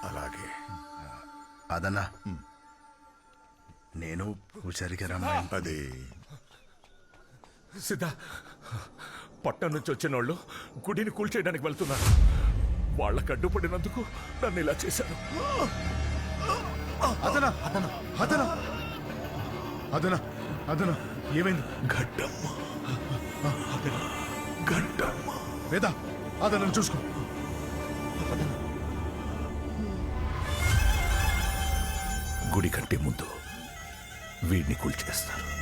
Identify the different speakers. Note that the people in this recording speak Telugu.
Speaker 1: అలాగే అదన్నా నేను పూజారికి రమ్మాయి.
Speaker 2: అది
Speaker 3: సిద్ధ, పట్టణం నుంచి వచ్చిన వాళ్ళు గుడిని కూల్చేయడానికి వెళ్తున్నారు. వాళ్ళకు అడ్డుపడినందుకు నన్ను ఇలా చేశారు.
Speaker 1: అదనా అదనా అదనా అదనా అదనా ఏమైంది?
Speaker 3: గడ్డమ్మ, గడ్డమ్మ.
Speaker 1: వేద అదనను చూసుకో.
Speaker 3: గుడి కంటే ముందు వీడిని కూల్చేస్తారు.